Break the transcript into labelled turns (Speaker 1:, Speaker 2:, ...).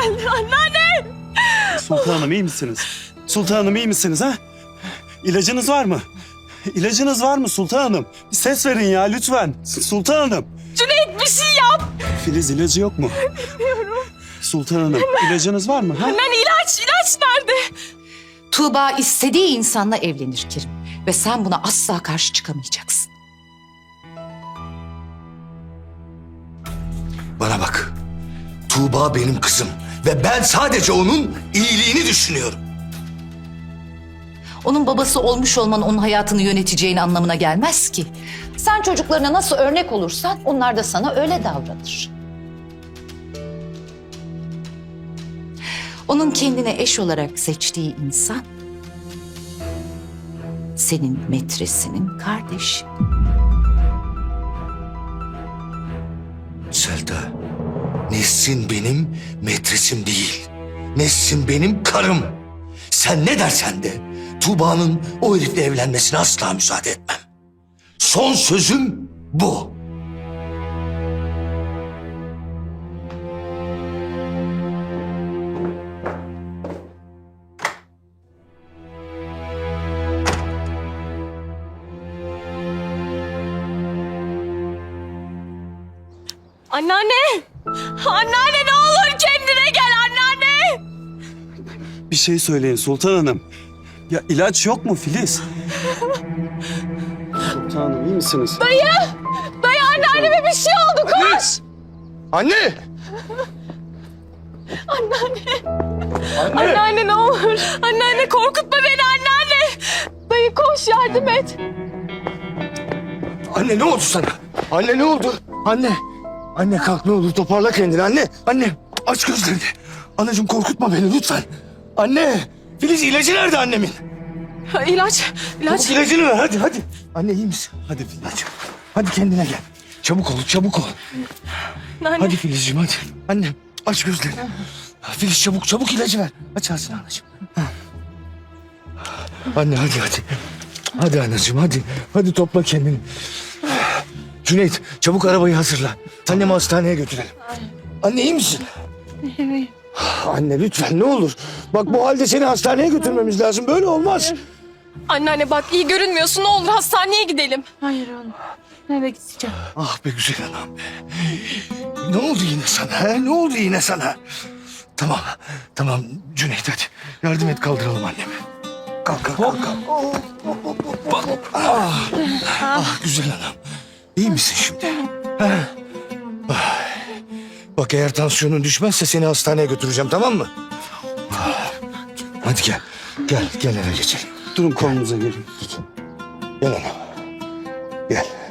Speaker 1: geldi. Anneanne!
Speaker 2: Sultanım iyi misiniz? Sultanım iyi misiniz ha? İlacınız var mı? İlacınız var mı sultanım? Bir ses verin ya lütfen. Sultanım.
Speaker 1: Cüneyt bir şey yap.
Speaker 2: Filiz ilacı yok mu?
Speaker 1: Bilmiyorum.
Speaker 2: Sultanım ilacınız var mı? Ha?
Speaker 1: Anneanne ilaç nerede?
Speaker 3: Tuğba istediği insanla evlenir Kerim. Ve sen buna asla karşı çıkamayacaksın.
Speaker 4: Bana bak. Tuğba benim kızım ve ben sadece onun iyiliğini düşünüyorum.
Speaker 3: Onun babası olmuş olman onun hayatını yöneteceğin anlamına gelmez ki. Sen çocuklarına nasıl örnek olursan onlar da sana öyle davranır. Onun kendine eş olarak seçtiği insan senin metresinin kardeşi.
Speaker 4: Selda, Nesrin benim metresim değil. Nesrin benim karım. Sen ne dersen de Tuğba'nın o herifle evlenmesine asla müsaade etmem. Son sözüm bu.
Speaker 1: Anneanne! Anneanne ne olur kendine gel anneanne!
Speaker 2: Bir şey söyleyin Sultan Hanım. Ya ilaç yok mu Filiz? Sultanım iyi misiniz?
Speaker 1: Dayı anneanneme bir şey oldu koş!
Speaker 4: Anne!
Speaker 1: Anneanne ne olur. Anneanne korkutma beni anneanne. Dayı koş yardım et.
Speaker 4: Anne ne oldu sana? Anne ne oldu? Anne! Anne kalk ne olur toparla kendini anne. Anne aç gözlerini. Anacığım korkutma beni lütfen. Anne! Filiz ilacı nerede annemin?
Speaker 1: Ha, İlaç.
Speaker 4: Çabuk ilacını ver hadi. Anne iyi misin? Hadi Filiz. Hadi kendine gel. Çabuk ol.
Speaker 1: Anne.
Speaker 4: Hadi Filizciğim hadi. Annem aç gözlerini. Filiz çabuk ilacı ver. Aç ağzını anacığım. Anne hadi. Hadi anacığım hadi. Hadi topla kendini. Cüneyt çabuk arabayı hazırla. Annemi hastaneye götürelim. Anne iyi misin?
Speaker 1: Evet.
Speaker 4: Anne lütfen ne olur. Bak bu halde seni hastaneye götürmemiz lazım. Böyle olmaz.
Speaker 1: Anneanne bak iyi görünmüyorsun ne olur hastaneye gidelim.
Speaker 5: Hayır oğlum. Eve gideceğim.
Speaker 4: Ah be güzel anam be. Ne oldu yine sana? He? Ne oldu yine sana? Tamam Cüneyt hadi. Yardım et kaldıralım annemi. Kalk. Ah güzel anam. İyi misin şimdi? He? Bak eğer tansiyonun düşmezse seni hastaneye götüreceğim tamam mı? Hadi gel eve geçelim.
Speaker 2: Durun kolunuza gelin.
Speaker 4: Gel anam. Gel.